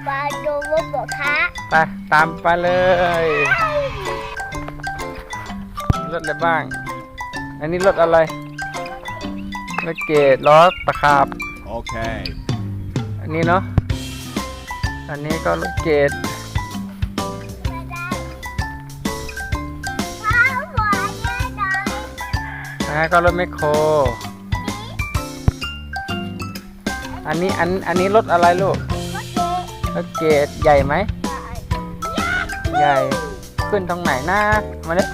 มาดูรถบกคะไปตามไปเลยรถอะไรบ้างอันนี้รถอะไรรถเกตล้อตะขาบโอเคอันนี้เนาะอันนี้ก็รถเกตก็รถแมคโครอันนี้รถอะไรลูกรถเกตใหญ่ไหมใหญ่ขึ้นตรงไหนหน้ามาเนี่ย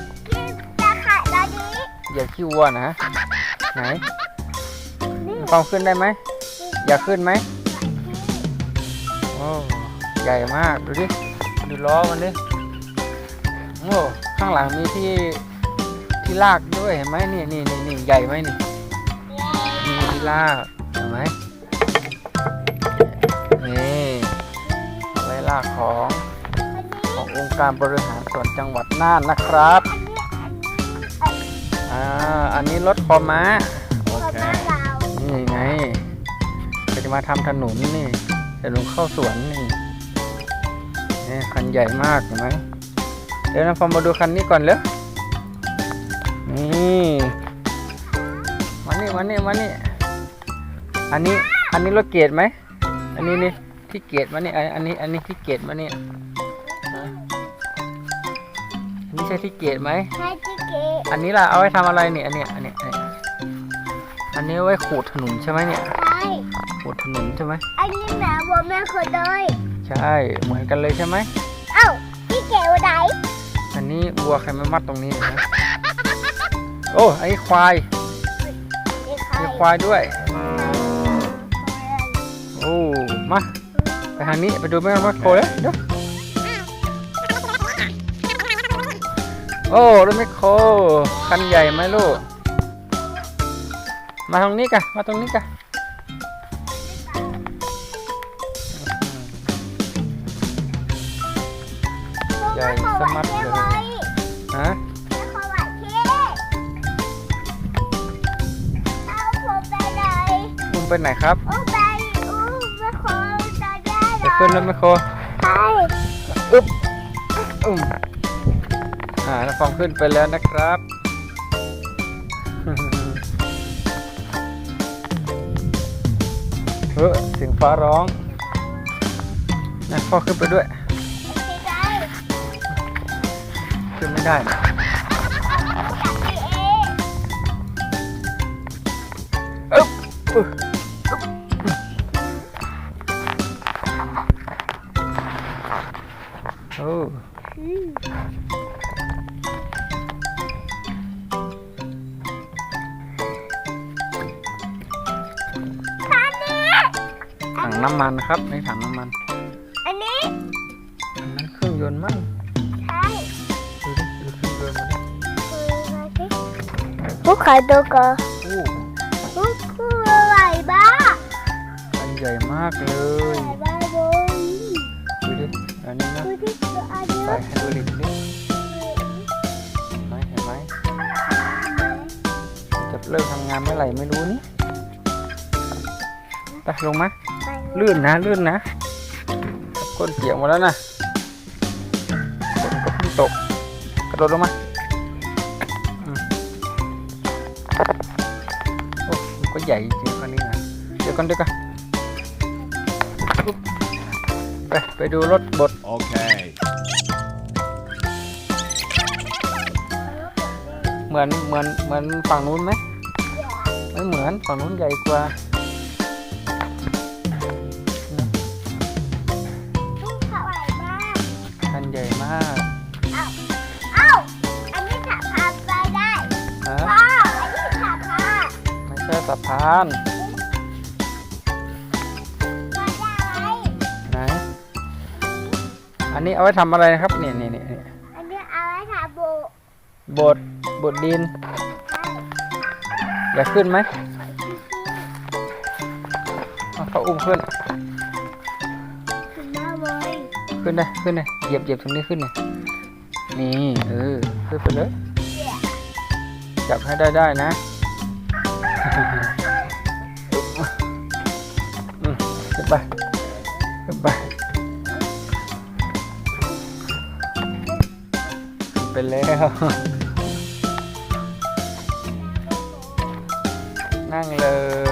อย่าขี้วัวนะไหนความขึ้นได้ไหมอยากขึ้นไหมโอ้ใหญ่มากดูดิดูล้อมันดิโอ้ข้างหลังมีที่ลากด้วยเห็นไหมนี่ใหญ่ไหมนี่มีที่ลากเห็นไหมนี่ไว้ลากขององค์การบริหารส่วนจังหวัดน่านนะครับอันนี้รถคอม้านี่ไงจะมาทำถนนนี่จะลงเข้าสวนนี่คันใหญ่มากเห็นไหมเดี๋ยวนะฟอร์มมาดูคันนี้ก่อนเลยนี่มานี่อันนี้รถเกียร์ไหมอันนี้นี่ที่เกียร์มานี่อันนี้ที่เกียร์มานี่อันนี้ใช่ที่เกียร์ไหมใช่ที่เกียร์อันนี้ล่ะเอาไว้ทำอะไรเนี่ยอันนี้ไว้ขูดถนนใช่ไหมเนี่ยใช่ขูดถนนใช่ไหมอันนี้แม่วัวแม่เคยเลยใช่เหมือนกันเลยใช่ไหมเอ้าที่เกียร์ไหนอันนี้วัวใครมามัดตรงนี้นะโอ้ไอ้ควายมีควายด้วยโอ้มาไปทางนี้ไปดูแม่แมคโครเลยเดี๋ยวโอ้รถแมคโครคันใหญ่ไหมลูกมาตรงนี้กันใหญ่สมัดเลยฮะไปไหนครับจะขึ้นรถแมคโครอึ๊บน้าฟองขึ้นไปแล้วนะครับเสียงฟ้าร้องนะพ่อขึ้นไปด้วยขึ้นไม่ได้อึ๊บโอ้ถังน้ำมันครับในถังน้ำมันอันนี้อันนั้นเครื่องยนต์มั้งใช่ดูเครื่องยนต์มาดิพวกขายตัวก็พวกอะไรบ้าอันใหญ่มากเลยดูดิอันนี้นะใส่ไฮดรอลิกดิเห็นไหมจะเริ่มทำงานเมื่อไหร่ไม่รู้นี่ไปลงมาลื่นนะก้นเปียกหมดแล้วนะฝนก็เพิ่งตกกระโดดลงมาโอ้ก็ใหญ่จริงคันนี้นะเดี๋ยวกันไปดูรถบดโอเคเหมือนฝั่งนู้นไหมไม่เหมือนฝั่งนู้นใหญ่กว่าคันใหญ่มากอันนี้สะพานไปได้พ่ออันนี้สะพานไม่ใช่สะพานไหนอันนี้เอาไว้ทำอะไรนะครับนี่อันนี้เอาไว้ทำบดดินอยากขึ้นไหมเขาอุ้มขึ้นได้เหยียบตรงนี้ขึ้นนี่ขึ้นไปเลยจับให้ได้นะขึ้นไปไปแล้ว นั่งเลย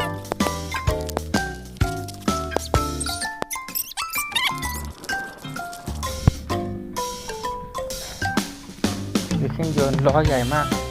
ดูเครื่องยนต์ล้อใหญ่มาก